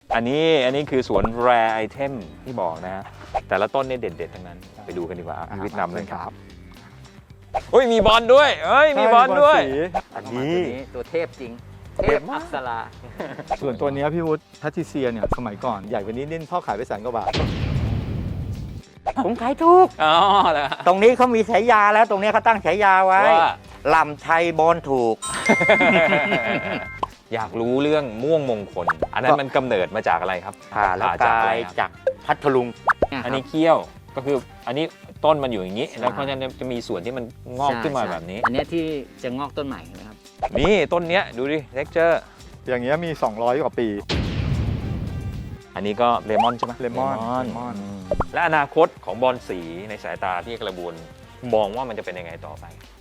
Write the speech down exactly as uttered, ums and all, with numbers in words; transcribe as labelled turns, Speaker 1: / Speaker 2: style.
Speaker 1: อันนี้อันนี้คือสวนแรไอเทมที่บอกนะ แต่ละต้นเนี่ยเด็ดๆทั้งนั้นไปดูกันดีกว่าพี่วิทย์นำเลยครับเฮ้ยมีบอลด้วยเฮ้ยมีบอลด้วย
Speaker 2: อันนี้ตัวเทพจริงเทพอักษรา
Speaker 3: ส่วนตัวนี้พี่วุฒิแพทริเซียเนี่ยสมัยก่อนใหญ่กว่านี้นิดพ่อขายไปแสนกว่าบาท
Speaker 2: ผมขายถูก
Speaker 1: อ๋อเหรอ
Speaker 2: ตรงนี้เขามีฉายาแล้วตรงนี้เขาตั้งฉายาไว้
Speaker 1: ว่า
Speaker 2: ลำชัยบอลถูก
Speaker 1: อยากรู้เรื่องม่วงมงคล อันนั้นมันกำเนิดมาจากอะไรครับ
Speaker 2: ผ่าแล้ว
Speaker 1: ผ่
Speaker 2: ก
Speaker 1: อะ
Speaker 2: ลา
Speaker 1: ไร
Speaker 2: ย
Speaker 1: ครับ
Speaker 2: จากพัทลุง
Speaker 1: อันนี้เขี้ยวก็คืออันนี้ต้นมันอยู่อย่างนี้
Speaker 2: ใช่
Speaker 1: แล้วก็จะมีส่วนที่มันงอกขึ้นมาแบบนี้
Speaker 2: อันนี้ที่จะงอกต้นใหม่นะครับ
Speaker 1: นี่ต้นเนี้ยดูดิเท็กเจอร์
Speaker 3: อย่างเงี้ยมี สองร้อย กว่าปี
Speaker 1: อันนี้ก็เลมอนใช่ไหม
Speaker 3: เลมอน
Speaker 1: เล
Speaker 3: เลมอน
Speaker 1: และอนาคตของบอลสีในสายตาที่กระบวนมองว่ามันจะเป็นยังไงต่อไป